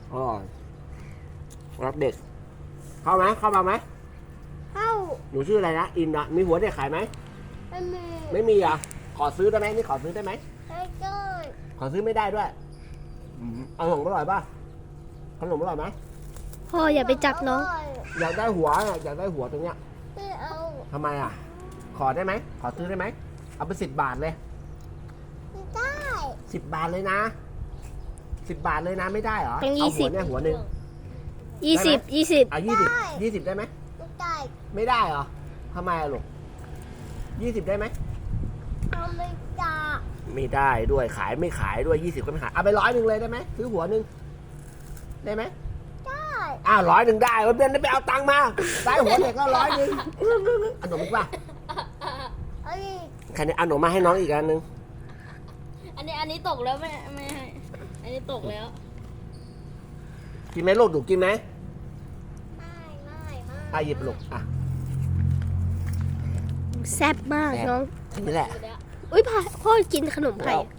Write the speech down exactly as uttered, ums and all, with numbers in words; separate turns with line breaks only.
อร่อยรักเด็กเข้าไหมเข้ามาไหม
เข้า
หนูชื่ออะไรนะอินนะมีหัวเด็กขายไหม
ไม่มี
ไม่มีอ่ะขอซื้อได้ไหมนี่ขอซื้อได้ไหม
ไม่ได้
ขอซื้อไม่ได้ด้วยอืมเอาขนมอร่อยป่ะขนมอร่อยไหม
พ่ออย่าไปจับน้อง
อยากได้หัวอ่ะอยากได้หัวตรงเนี้ย
ไม่เอา
ทำไมอ่ะ ขอได้ไหมขอซื้อได้ไหมเอาไปสิบบาทเลย
ไม่ได้
สิบบาทเลยนะสิบบาทเลยนะไม่ได้เหรอ
เป็น
เอา
ยี่สิ
หั
บ
วเนี่ยหัวหนึ่ง
ยี่สิบยี่สิบ
อ่ะยี่สิบยี่สิบได้ไหม
ไม่ได้
ไม่ได้เหรอทำไมอะลูกยี่สิบได้ไหม
ทำไม่ได้
ไม่ได้ด้วยขายไม่ขายด้วยยี่สิบก็ไม่ขายเอาไปร้อยหนึ่งเลยได้ไหมซื้อหัวหนึ่งได้ไหม
ได้
อ้าวร้อยหนึ่งได้วันเดือนไปเอาตังค์มาได้หัวเด็กก็ร้อยหนึ่งเอาขนมอีกป่ะ
เอ้ย
ใครเนี่ยเอาขนมมาให้น้องอีกอันหนึ่ง
อันนี้อันนี้ตกแล้วไม่ไม่ให้อันนี้ตกแล้ว
กินไหมลูกดูกินไหม
ไม่ไม่ไม่
อ่ะหยิบลูกอ่ะ
แซ่บมากน้อง
นี่แหละ
อยู่แล้ว
อุ้ยพ่อพ่อกินขนมไข่
แล้ว